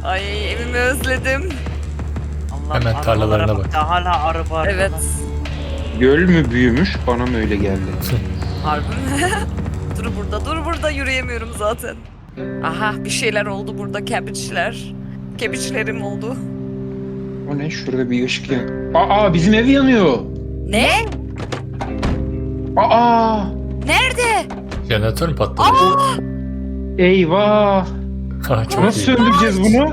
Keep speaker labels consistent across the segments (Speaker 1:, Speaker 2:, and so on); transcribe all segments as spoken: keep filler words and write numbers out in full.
Speaker 1: Ay evimi özledim.
Speaker 2: Allah
Speaker 3: Hemen tarlalarına bak.
Speaker 2: Hala araba araba.
Speaker 1: Evet.
Speaker 4: Göl mü büyümüş? Bana mı öyle geldi?
Speaker 1: Harbi mi? Dur burada, dur burada, yürüyemiyorum zaten. Aha bir şeyler oldu burada, kebiçler. Kebiçlerim oldu.
Speaker 4: O ne? Şurada bir ışık yan. Aa, bizim ev yanıyor.
Speaker 1: Ne?
Speaker 4: Aa!
Speaker 1: Nerede?
Speaker 3: Jeneratör mü patladı?
Speaker 4: Eyvah!
Speaker 3: Ha, çok
Speaker 4: Nasıl
Speaker 3: iyi.
Speaker 4: söndüreceğiz bunu?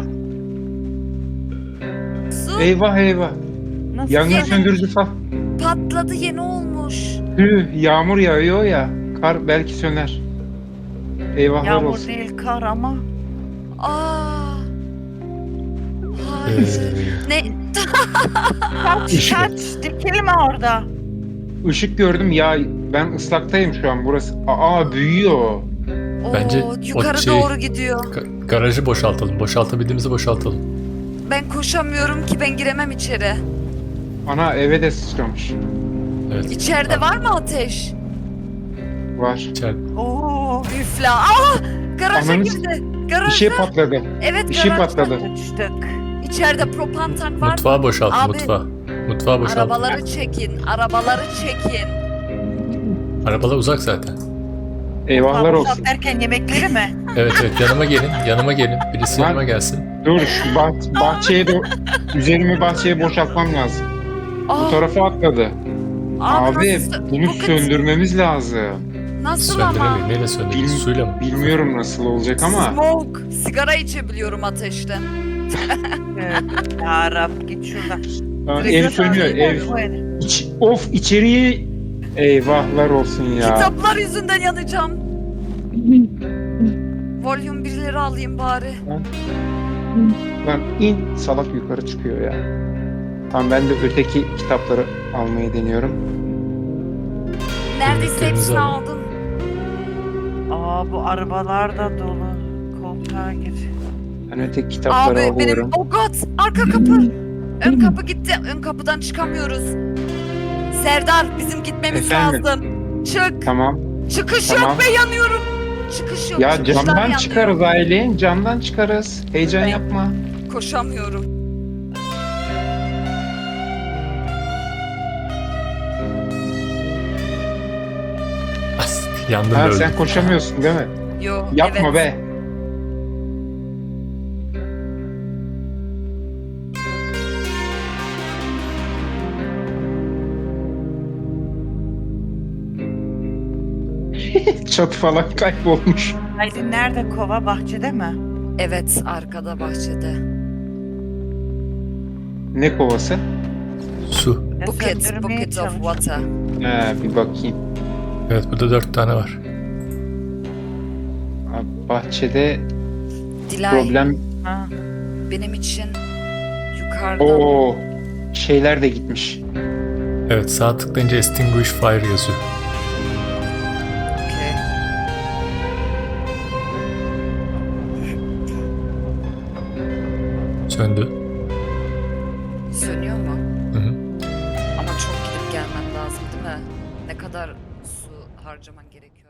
Speaker 1: Su
Speaker 4: Eyvah eyvah.
Speaker 2: Nasıl
Speaker 4: Yangın
Speaker 2: yani?
Speaker 4: söndürücü falan.
Speaker 1: patladı, yeni olmuş.
Speaker 4: Tüh, yağmur yağıyor ya. Kar belki söner. Eyvahlar
Speaker 2: Yağmur
Speaker 4: olsun.
Speaker 2: değil kar ama.
Speaker 1: Aa. Hayır.
Speaker 3: Ee,
Speaker 1: Ne?
Speaker 2: Kaç
Speaker 4: Işık.
Speaker 2: kaç dikilme orada.
Speaker 4: Işık gördüm ya. Ben ıslaktayım şu an burası. Aa, büyüyor.
Speaker 3: Bence
Speaker 1: Oo,
Speaker 3: o
Speaker 1: yukarı
Speaker 3: şey-
Speaker 1: doğru gidiyor.
Speaker 3: ga- garajı boşaltalım. Boşaltabildiğimizi boşaltalım.
Speaker 1: Ben koşamıyorum ki, ben giremem içeri.
Speaker 4: Ana, eve de sıçramış.
Speaker 3: Evet.
Speaker 1: İçeride var mı ateş?
Speaker 4: Var.
Speaker 3: İçeride.
Speaker 2: Oo.
Speaker 1: Üfla. Aa! Garaja
Speaker 4: Ananı-
Speaker 1: girdi.
Speaker 4: Bir
Speaker 1: Garajda.
Speaker 4: şey patladı.
Speaker 1: Evet,
Speaker 4: Bir şey
Speaker 1: garajda.
Speaker 4: patladı.
Speaker 2: Uçtuk.
Speaker 1: İçeride propan tank var mı?
Speaker 3: Mutfağı boşalt,
Speaker 1: Abi,
Speaker 3: mutfağı. Mutfağı boşalt.
Speaker 1: Arabaları çekin, arabaları çekin.
Speaker 3: Arabalar uzak zaten.
Speaker 4: Eyvahlar
Speaker 2: Boşalt
Speaker 4: olsun.
Speaker 2: derken yemekleri mi?
Speaker 3: Evet evet, yanıma gelin, yanıma gelin. Birisi
Speaker 4: Ben-
Speaker 3: yanıma gelsin.
Speaker 4: Dur, şu bah bahçeye de üzerimi bahçeye boşaltmam lazım. Bu
Speaker 1: Aa,
Speaker 4: tarafa atladı. Abi,
Speaker 1: nasıl,
Speaker 4: bunu
Speaker 1: bu kız-
Speaker 4: söndürmemiz lazım.
Speaker 1: Nasıl ama?
Speaker 3: Söndüremeyiz. Neyle söndürürüz?
Speaker 4: Bil-
Speaker 3: Suyla mı?
Speaker 4: Bilmiyorum nasıl olacak ama.
Speaker 1: Smoke. Sigara içebiliyorum ateşten.
Speaker 2: Evet. Ya Rab git şuradan.
Speaker 4: Aa,
Speaker 2: Direkt
Speaker 4: ev sönüyor,
Speaker 2: zaten
Speaker 4: ev.
Speaker 2: bu ev.
Speaker 4: İç, of, içeriği. Eyvahlar olsun ya.
Speaker 1: Kitaplar yüzünden yanacağım. Volume birleri alayım bari.
Speaker 4: Lan in, salak yukarı çıkıyor ya. Tamam, ben de öteki kitapları almayı deniyorum.
Speaker 1: Neredeyse
Speaker 3: Yemeklerinizi
Speaker 1: hepsini
Speaker 3: alın.
Speaker 1: aldım.
Speaker 2: Aa bu arabalar da dolu. Koltuğa gir.
Speaker 4: Ben öteki kitapları
Speaker 1: Abi benim,
Speaker 4: alıyorum.
Speaker 1: oh god, arka kapı. Ön kapı gitti, ön kapıdan çıkamıyoruz. Serdar, bizim gitmemiz
Speaker 4: Efendim?
Speaker 1: lazım. Çık.
Speaker 4: Tamam.
Speaker 1: Çıkış
Speaker 4: Tamam.
Speaker 1: yok ve yanıyorum. Çıkış yok.
Speaker 4: Ya
Speaker 1: çıkışlar
Speaker 4: camdan
Speaker 1: yanıyor.
Speaker 4: çıkarız Aylin, camdan çıkarız. Heyecan yapma.
Speaker 1: Koşamıyorum.
Speaker 3: As, yandım
Speaker 4: Ha,
Speaker 3: öldüm.
Speaker 4: sen koşamıyorsun değil mi?
Speaker 1: Yo,
Speaker 4: Yapma
Speaker 1: evet.
Speaker 4: be. Çatı falan kaybolmuş.
Speaker 2: Aydın nerede kova bahçede mi?
Speaker 1: Evet, arkada bahçede.
Speaker 4: Ne kovası?
Speaker 3: Su.
Speaker 2: Ya
Speaker 1: Bucket,
Speaker 2: söndürmeye
Speaker 1: bucket of
Speaker 2: çalış.
Speaker 1: water.
Speaker 4: Ha, bir bakayım.
Speaker 3: Evet, burada dört tane var.
Speaker 4: Abi, bahçede
Speaker 1: Dilay,
Speaker 4: problem.
Speaker 2: Ha.
Speaker 1: benim için yukarıda.
Speaker 4: Oo, şeyler de gitmiş.
Speaker 3: Evet, sağ tıklayınca extinguish fire yazıyor.
Speaker 1: Okey.
Speaker 3: Söndü.
Speaker 1: Sönüyor mu?
Speaker 3: Hı hı.
Speaker 1: Ama çok gidip gelmem lazım değil mi? Ne kadar su harcaman gerekiyor?